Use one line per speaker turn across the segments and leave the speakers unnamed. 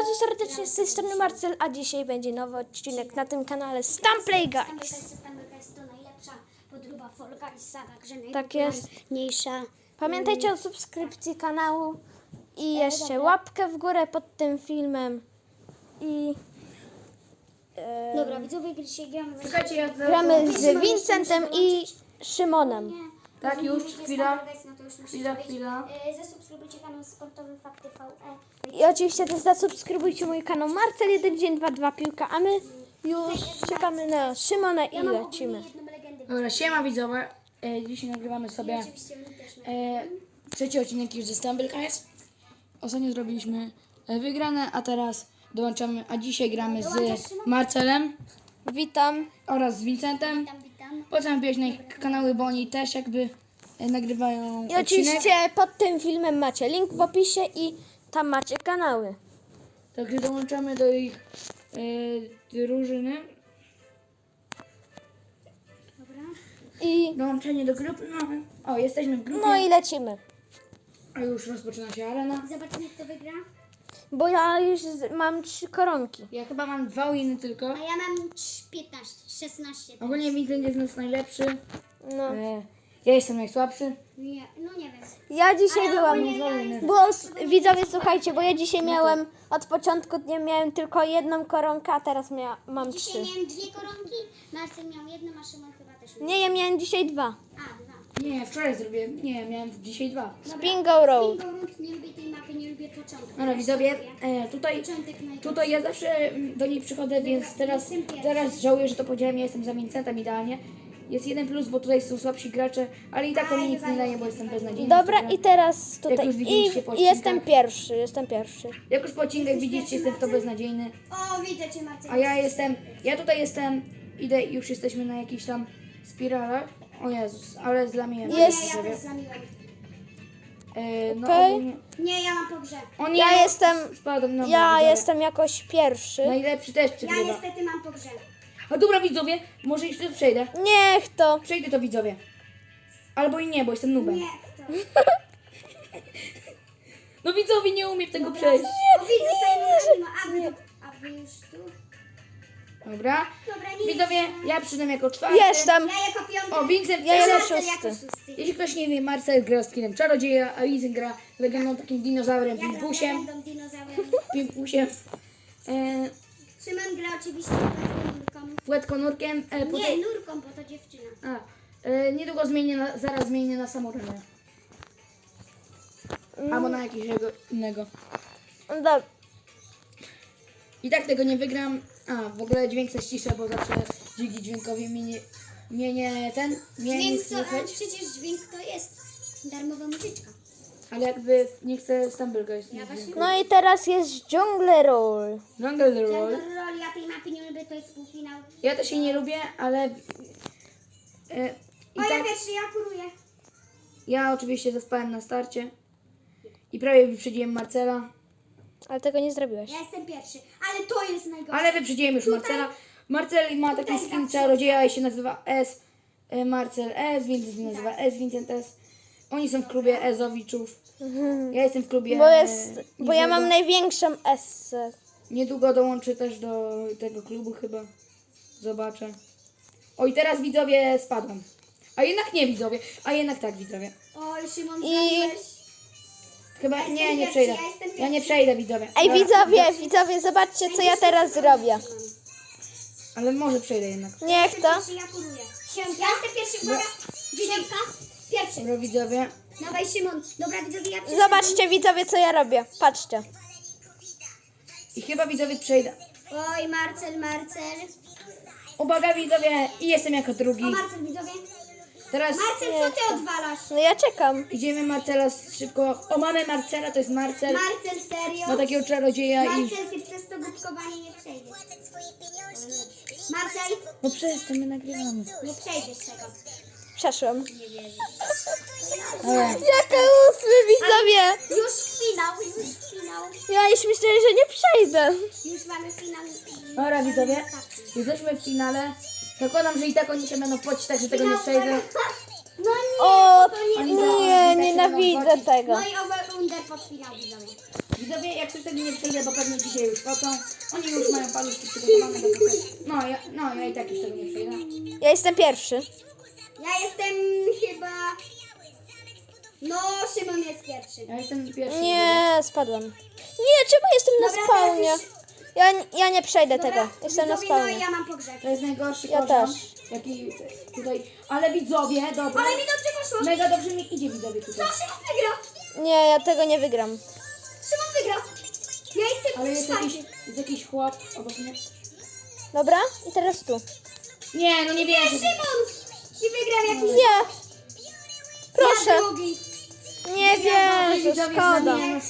bardzo serdecznie, z tej strony Marcel, a dzisiaj będzie nowy odcinek na tym kanale Stamplay Guys.
Stamplay Guys to najlepsza podróba Fall Guysa, także
Tak jest.
najpopularniejsza.
Pamiętajcie o subskrypcji kanału i jeszcze łapkę w górę pod tym filmem. I
Dobra, widzowie, dzisiaj gramy w
Czekajcie, ja
gramy z Vincentem i Szymonem.
Tak, już, chwila.
Chwila.
Chwila.
Zasubskrybujcie kanał Sportowy Fakty VE.
I oczywiście też zasubskrybujcie mój kanał Marcel 1 dzień 2 piłka, a my już czekamy na Szymona i lecimy.
Jedną legendę.
Dobra, siema widzowie. Dzisiaj nagrywamy sobie
Oczywiście my też
trzeci odcinek już ze Stumble Guys. Ostatnio zrobiliśmy wygrane, a teraz dołączamy, a dzisiaj gramy z Marcelem
Witam.
oraz z Vincentem.
witam.
Polecam wbijać na ich kanały, bo oni też jakby nagrywają
I
odcinek.
oczywiście pod tym filmem macie link w opisie i tam macie kanały.
Także dołączamy do ich drużyny.
Dobra.
I
Dołączenie do grupy. O, jesteśmy w grupie.
no i lecimy.
A już rozpoczyna się arena.
Zobaczymy, kto wygra.
Bo ja już mam 3 koronki.
Ja chyba mam 2 winy tylko.
A ja mam 15, 16.
Ogólnie Vincent jest nas najlepszy.
No.
Ja jestem najsłabszy.
Nie, no nie wiem.
Ja dzisiaj
Ale
byłam.
ogólnie ja jestem-
Bo widzowie, słuchajcie, bo ja dzisiaj miałem od początku dnia miałem tylko 1 koronkę, a teraz mam 3.
Dzisiaj miałem 2 koronki, Marcel miał jedną, a Szymon chyba też miał.
Nie, ja miałem dzisiaj 2.
A, 2.
Nie, wczoraj zrobiłem. Nie, miałem dzisiaj 2.
Bingo Road.
Bingo Road, nie lubię tej mapy, nie lubię początku.
Dobra widzowie, tutaj
Początek najgorszy.
ja zawsze do niej przychodzę, więc teraz żałuję, że to powiedziałem. Ja jestem za Vincentem idealnie. Jest 1+, bo tutaj są słabsi gracze, ale i tak to mi nic nie daje, bo jestem beznadziejny.
Dobra, i teraz tutaj.
już widzieliście po
I jestem
odcinkach.
pierwszy.
Jak już po odcinkach widzicie, jestem w to beznadziejny.
O, widzę cię, Marcel.
A ja tutaj jestem, idę i już jesteśmy na jakichś tam spiralach. O Jezus, ale zlamiłem.
Jest.
Ja też zamiłam.
No
Okej.
ogólnie...
Nie, ja mam po grze.
O nie,
Ja jestem.
spadłem na
Ja
widzowie.
jestem jakoś pierwszy.
Najlepszy też
Ja
przegrywa.
niestety mam po grze.
A dobra widzowie, może jeszcze przejdę.
Niech to.
Przejdę to widzowie. Albo i nie, bo jestem nubem.
Nie, kto?
No widzowie, nie umiem tego przejść.
O, widzę Simona. A wy już tu?
Dobra.
Dobra, nie
Widzowie, ja przyszedłem jako czwarty.
Jestem.
Ja jako piąty.
O, Vincent,
Ja jako
Marcel
szósty.
jako szósty.
Jeśli ktoś nie wie, Marcel gra z kinem czarodzieja, a Vincent gra legendą takim dinozaurem,
Ja gram
pimpusiem.
legendą, dinozaurem.
Pimpusiem.
Szymon gra oczywiście nurką.
Płetkonurkiem.
Nie, nurką, bo to dziewczyna.
Niedługo zaraz zmienię na samuraja. Albo na jakiegoś innego.
Dobra.
I tak tego nie wygram. W ogóle dźwięk se ściszę, bo zawsze dzięki dźwiękowi mnie nie
Dźwięk to,
słychać.
przecież dźwięk to jest darmowa muzyczka.
Ale jakby nie chcę Stumble Guys.
No i teraz jest Jungle Roll.
Jungle Roll.
Roll, ja tej mapy nie lubię, to jest półfinał.
Ja też jej nie lubię, ale i
O, ja
tak
pierwszy, ja kuruję.
ja oczywiście zaspałem na starcie i prawie wyprzedziłem Marcela,
Ale tego nie zrobiłeś.
Ja jestem pierwszy, ale to jest najgorsze.
ale wyprzedziłem już Marcela. Marcel ma taki skin czarodzieja i się nazywa S. Marcel S, Vincent się nazywa S, Vincent S. Oni są w klubie Ezowiczów. Ja jestem w klubie.
Bo ja mam największą S.
Niedługo dołączę też do tego klubu chyba. Zobaczę. O i teraz widzowie spadłem. A jednak nie widzowie. A jednak tak widzowie.
Oj, Szymon,
I-
zaliłeś.
Chyba
jestem
nie
pierwszy,
przejdę.
ja jestem
Ja nie
pierwszy.
przejdę widzowie.
Ej,
Dobra.
widzowie, zobaczcie, co ja teraz zrobię.
Ale może przejdę jednak.
Niech to.
Pierwszy, ja kuruję. Ja jestem pierwszy, uwaga. Dziesiątka. Pierwszy.
Dobra widzowie.
Dawaj, Szymon. Dobra, widzowie, ja przyszedłem.
Zobaczcie, widzowie, co ja robię. Patrzcie.
I chyba widzowie przejdę.
Oj, Marcel.
Uwaga widzowie. I jestem jako drugi.
O, Marcel, widzowie.
Teraz
Marcel, co ty odwalasz?
No ja czekam.
idziemy Marcela szybko. O, mamy Marcela, to jest Marcel.
Marcel, serio?
Ma takiego czarodzieja i...
Marcel, ty przez to głupkowanie nie przejdziesz. Marcel,
No przestań, my nagrywamy.
nie przejdziesz tego.
Przeszłam.
Ale
Jaka 8, widzowie.
Już finał.
Ja już myślę, że nie przejdę.
Już mamy finał.
dobra widzowie. Jesteśmy w finale. Zakładam, że i tak oni się będą płacić, tak że tego nie przejdę.
No nie,
O,
to nie.
nie, nienawidzę tego.
No i over under pod finał, widzowie.
Widzowie, jak coś tego nie przejdę, bo pewnie dzisiaj już pocą. Oni już mają paluszki przygotowane do pokoju. Ja i tak już tego nie przejdę.
Ja jestem pierwszy.
Ja jestem chyba... No, Szymon jest pierwszy.
Ja jestem pierwszy.
Nie, spadłam. Nie, czemu jestem na
Dobra,
spawnie?
teraz
Ja nie przejdę
Dobra,
tego. Jestem na
widzowie, no i
spawnie.
ja mam pogrzeb.
To jest najgorszy
Ja
poziom,
też.
jaki tutaj... Ale widzowie, dobra.
Ale mi dobrze poszło.
Mega dobrze mi idzie widzowie tutaj.
Co, Szymon wygrał?
Nie, ja tego nie wygram.
Szymon wygrał. Ja jestem
Ale jest jakiś,
czwarty.
jest jakiś chłop obok mnie.
Dobra? I teraz tu.
Nie, no nie
Nie,
wierzę.
Szymon! I wygrał jakiś...
Nie! Proszę!
Ja drugi.
Nie wierzę, szkoda.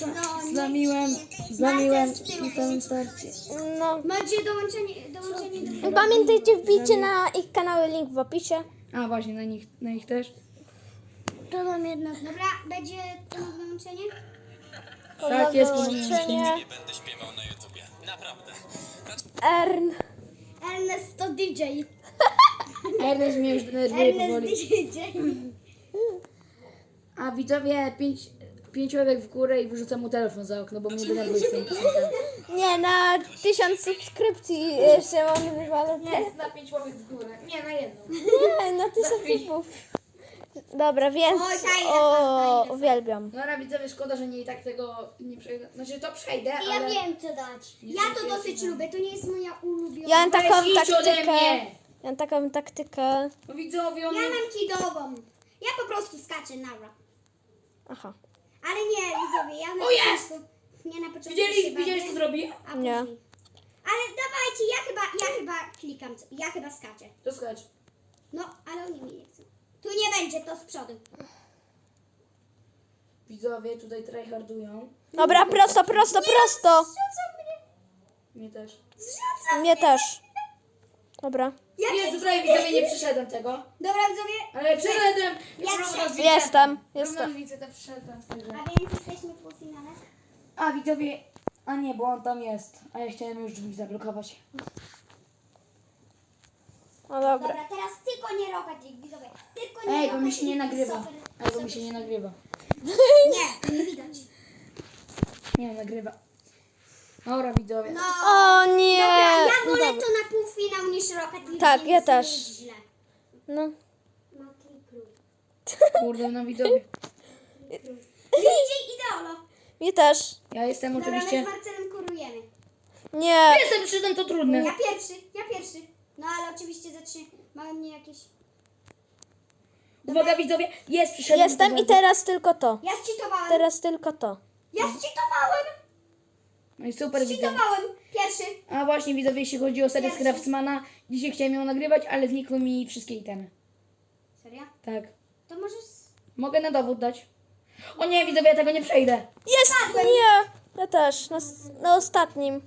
Zlamiłem na całym starcie.
No.
Macie dołączenie do...
Pamiętajcie, wbijcie na ich kanały, link w opisie.
A właśnie, na nich też.
To mam jedno. Dobra, będzie to dołączenie?
Tak, jest
Połączenie.
Będę śpiewał na YouTubie. Naprawdę.
Ern.
Ernest to DJ.
Ernest mnie już denerwuje
Ernest
powoli.
DJ.
A widzowie, 5 łebek w górę i wyrzucam mu telefon za okno, bo mnie denerwuje z tymi piosenkami.
Nie, na 1000 subskrypcji Szymon wywalę.
Nie, na 5 łapek w górę. Nie, na jedną.
Nie, na 1000 subów. Dobra, więc
Oj, fajne.
uwielbiam.
Dobra widzowie, szkoda, że nie i tak tego nie przejdę. Znaczy to przejdę,
Ja
ale...
wiem co dać. Ja to dosyć lubię, to nie jest moja ulubiona.
Ja mam taką
Weź idź ode
taktykę.
mnie!
Ja mam taką taktykę.
No widzowie, on...
Ja mam kidową. Ja po prostu skaczę naraz.
Aha.
Ale nie, widzowie, ja na
O, jest!
początku... Nie na początku się
Widziałeś co
bawię,
zrobi?
a
Nie.
później. Ale dawajcie, ja chyba klikam, ja chyba skaczę.
To skacz.
No, ale oni mi nie chcą. Tu nie będzie, to z przodu.
Widzowie tutaj tryhardują.
Dobra, prosto, prosto, prosto.
Zrzucam mnie.
Mnie też.
Zrzucam.
Mnie też. Dobra.
Ja
Nie, tutaj widzowie nie przeszedłem tego.
Dobra, widzowie,
Ale przeszedłem!
Jestem.
Widzę, to przeszedłem.
a więc jesteśmy w półfinale.
A widzowie... A nie, bo on tam jest. A ja chciałem już drzwi zablokować.
No dobra.
Dobra, teraz tylko nie rokać ich, widzowie. Tylko nie
Ej, bo
rokać
mi się nie
ich.
nagrywa.
Super,
Ej, bo mi się nie nagrywa.
Nie, nie widać.
Nie, nagrywa. Dobra widzowie.
No.
O nie.
Dobra, ja wolę
Dobra.
to na półfinał niż Rocket League.
Tak,
więc
ja też.
nie jest źle.
No.
No, klikluj.
Kurde, no widzowie.
Widzicie, ideolo.
Mnie też.
Ja jestem
Dobra, my
oczywiście...
z Marcelem kurujemy.
Nie.
Jestem przyszedłem, to trudne.
Ja pierwszy. No ale oczywiście zatrzymały mnie jakieś...
Uwaga widzowie, jest przyszedłem.
Jestem i teraz tylko to.
Ja zcheatowałem.
Teraz tylko to.
Ja zcheatowałem.
No i super widzowie.
Zcheatowałem. Pierwszy.
A właśnie widzowie, jeśli chodzi o serię z
Pierwszy.
Craftsmana, dzisiaj chciałem ją nagrywać, ale znikły mi wszystkie itemy.
Serio?
Tak.
To możesz...
Mogę na dowód dać. O nie, widzowie, ja tego nie przejdę.
Jest! Nie! Ja też. Na ostatnim.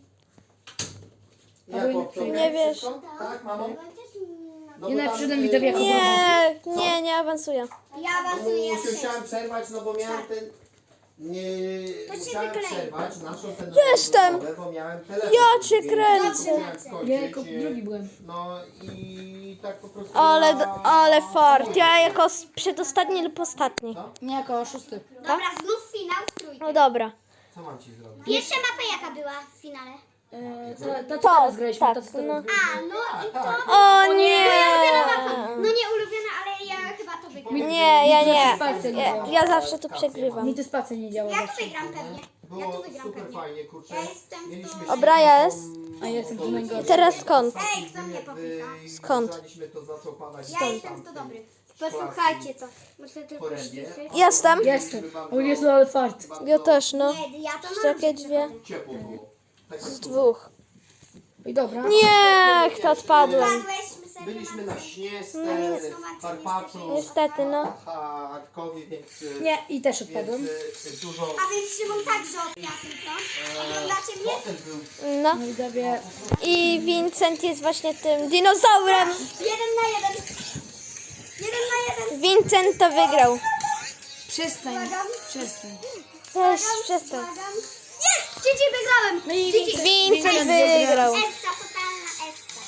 Nie wiesz.
Tak, mamo? No
Nie
bo
na
tam,
przyszedłem widzowie jako dowód.
Nie awansuję.
Ja awansuję, ja trzeci.
Musiałem przerwać, no bo miałem ten... Nie...
To się
Musiałem
wyklei.
przerwać naszą ten
Jestem.
bo miałem telefon.
Ja cię
więc
kręcę.
musiałem skończyć,
Ja jako drugi byłem.
No i tak po prostu...
Ale fart. Ja jako przedostatni lub ostatni.
Nie jako szósty.
Dobra, znów finał w trójkę.
No dobra.
Co mam ci zrobić?
Pierwsza mapa jaka była w finale?
To co teraz graliśmy?
tak,
To co teraz
no.
graliśmy?
A, no i to...
O nie!
No nie ulubiona, ale ja chyba to wygram.
Nie, ja nie.
Spacja nie
Ja,
działa.
ja zawsze tu przegrywam.
Mi to spacja nie działa
Ja tu
właśnie.
wygram pewnie. Ja
Było
tu wygram
super
pewnie.
fajnie, kurczę.
Ja jestem w
Mieliśmy
to-
Dobra, ja jest.
A ja jestem tu najgorszy.
Teraz skąd?
Ej, kto mnie popycha?
Skąd?
To zaczął padać
Ja jestem w to dobry. Posłuchajcie to. Muszę tylko
porębie.
ściszyć.
Jestem.
Jestem. O Jezu, ale fart.
Ja też, no.
Nie, ja to mam.
Takie dwie.
Ciepło było. Tak
Z dwóch.
I dobra.
Nie, kto odpadłem.
Padłeś, my
Byliśmy na śnie,
No,
Karpaczu,
Niestety, no.
Arkowi, więc...
Nie, i też
Więc
odpadłem.
dużo...
A więc Szymon także odpia tylko. Oglądacie mnie?
Potem był...
No.
No widzowie,
I Vincent jest właśnie tym dinozaurem.
1 na 1. 1 na 1.
Vincent to wygrał.
przestań. Przestań.
Weź, przestań.
Błagam. Jest! Cici wygrałem!
No i
Cici.
Vincent wygrał.
Essa, totalna Essa.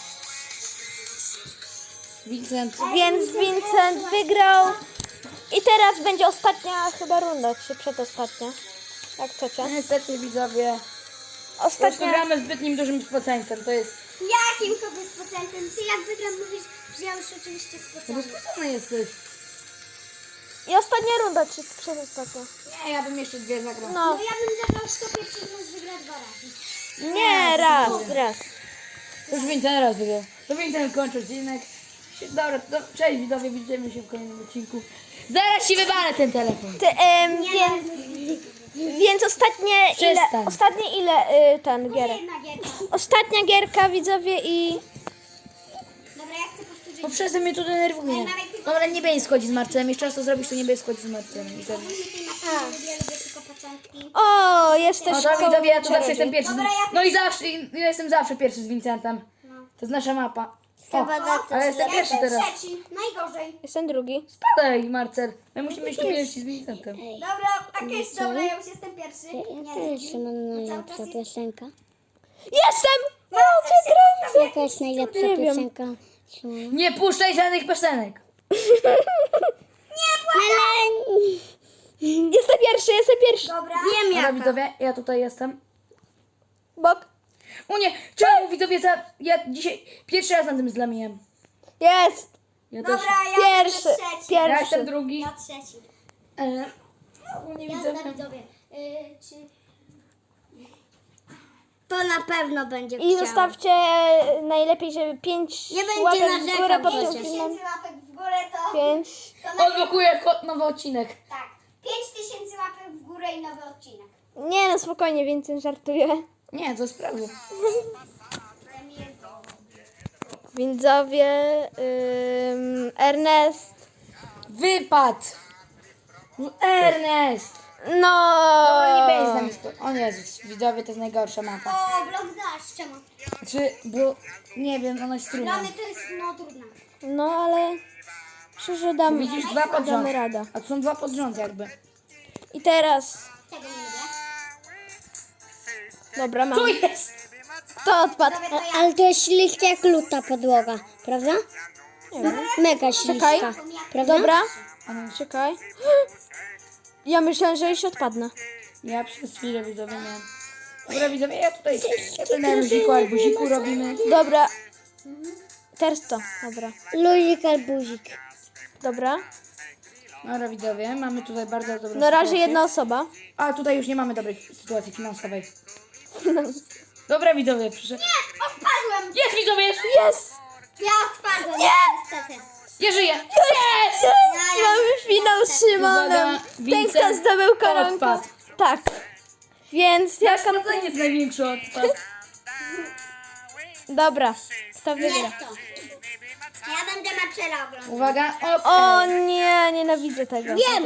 Vincent.
Więc Vincent wygrał. I teraz będzie ostatnia chyba runda, czy przedostatnia. Jak chcecie.
Niestety widzowie, po prostu
Ostatnia...
gramy zbytnim dużym procentem, to jest...
Jakim kogoś z procentem? Ty jak wygram mówisz, że ja już oczywiście z
No
procentem.
spocony jesteś.
I ostatnia runda, czy przedostatnia?
Nie, ja bym jeszcze 2 zagrał.
No.
No ja bym zagrał, kto pierwszy z nas wygra 2 razy.
Nie, raz.
To już Vincent raz wygrał. To Vincent kończy odcinek. Dobra, cześć widzowie, widzimy się w kolejnym odcinku. Zaraz ci wywalę ten telefon.
Więc
Przestań.
ostatnie ile ten gierek?
Jedna gierka.
Ostatnia gierka, widzowie, i...
Dobra, ja chcę powtórzyć.
Bo przez to mnie to denerwuje. Dobra, nie będę schodzić z Marcelem. Jeszcze raz to zrobisz, to nie będę schodzić z Marcelem. I sobie.
Lubię tylko początki.
O, jest też
No to widzowie, ja tu zawsze
czarodziej.
jestem pierwszy.
Dobra, ja
No i zawsze, ja jestem zawsze pierwszy z Vincentem. To jest nasza mapa. O, ale jestem pierwszy teraz.
Trzeci, najgorzej.
Jestem drugi.
Spadaj, Marcel. My musimy być tu pierwsi z Vincentem.
Dobra, okej, dobra, ja już jestem pierwszy. Nie,
Szymon,
cały
najlepsza
czas jest...
piosenka?
Jestem! No, przegrałem!
Jaka jest najlepsza
Nie wiem.
piosenka Szymona?
Nie puszczaj żadnych piosenek.
Jestem pierwszy.
Dobra.
Wiem
Dobra, widzowie, ja tutaj jestem.
Bok.
O nie, czemu widzowie, ja dzisiaj pierwszy raz na tym zlamiłem.
Jest!
Ja też.
Dobra, ja
Pierwszy.
będę trzeci.
Ja
Pierwszy.
jestem drugi.
Ja trzeci.
No, nie
Jazda,
widzę.
widzowie. Czy...
To na pewno będzie
I zostawcie najlepiej, żeby 5
Nie będzie
łapek w
narzekał,
górę pod
proszę.
tym filmem.
5000 łapek w górę to...
5.
Odblokuję nowy odcinek.
Tak. 5000 łapek w górę i nowy odcinek.
Nie no, spokojnie, więcej żartuję.
Nie, to jest prawda.
Widzowie, Ernest.
Wypad! No, Ernest!
No.
Nie będzie z nami O Jezus, widzowie, to jest najgorsza mapa.
O, blok dasz, czemu?
Czy, bo, nie wiem, ona jest trudna.
Dla mnie to jest, no, trudne.
No ale przeżyłam.
Widzisz, 2 pod rząd.
Damy radę.
A to są 2 pod rząd jakby.
I teraz.
Tego nie lubię.
Dobra, mam.
Co jest?
To odpadł.
Dobra, to ja.
Ale to jest śliska jak luta podłoga, prawda? Mega
Czekaj.
śliska, prawda?
Dobra. Czekaj. Ja myślałem, że już odpadnę.
Ja przez chwilę widzowie miałem. Dobra widzowie, ja to na luziku albuziku robimy.
Dobra. Teraz to. Dobra.
Luzik albuzik.
Dobra.
Dobra widzowie, mamy tutaj bardzo dobrą
Na razie
sytuację.
jedna osoba.
A tutaj już nie mamy dobrej sytuacji finansowej. Dobra widzowie, proszę.
Odpadłem.
Jest widzowie!
Jest!
Ja odpadłem. Niestety.
Ja żyję!
Jest! Mamy finał z Szymonem.
Uwaga,
Ten,
Vincent
kto zdobył koronkę.
odpadł.
Tak. Więc jaka...
To jest największy odpad.
Dobra. Kto wygra?
Nie to. Ja będę Marcela oglądać.
Uwaga,
O nie, nienawidzę tego.
Wiem!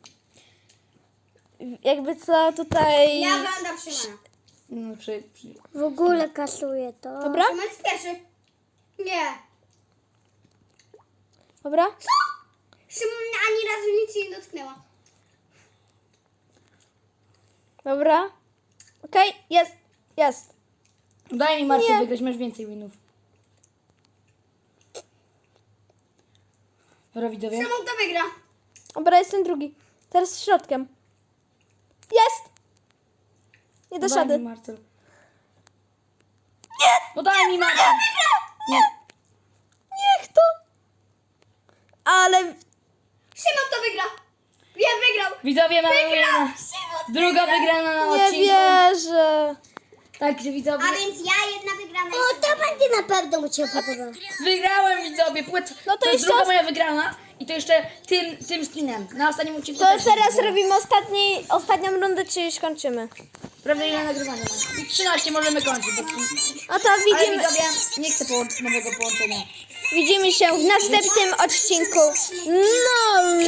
Jakby co tutaj...
Ja oglądam Szymona.
No,
W ogóle kasuje to.
Dobra?
Szymon jest pierwszy. Nie.
Dobra?
Szymon ani razu nic się nie dotknęła.
Dobra. Okej, jest. Jest.
Daj mi Marcel
Nie.
wygrać, masz więcej winów. Dobra widzowie.
Szymon to wygra.
Dobra, jestem drugi. Teraz środkiem. Jest! Nie dasz
Daj
rady.
mi Marcel. Nie! No daj mi Marcel! Nie.
Niech to! Ale...
Szymon to wygra. Wiem, wygrał.
Widzowie mamy
Szymon
druga wygrana na
Nie
odcinku.
wierzę.
Także widzowie.
A więc ja jedna wygrana.
O, to będzie na pewno mu się podoba.
Wygrałem widzowie.
No to
jest
jeszcze
druga
os-
moja wygrana. I to jeszcze tym skinem. Na ostatnim odcinku
To
też
teraz
wygrałem.
robimy ostatnią rundę, czy już kończymy?
Prawda ile nagrywania mam? I 13 możemy kończyć. Bo...
No to
Ale
widzimy,
widzowie, nie chcę nowego połączenia.
widzimy się w następnym odcinku. No!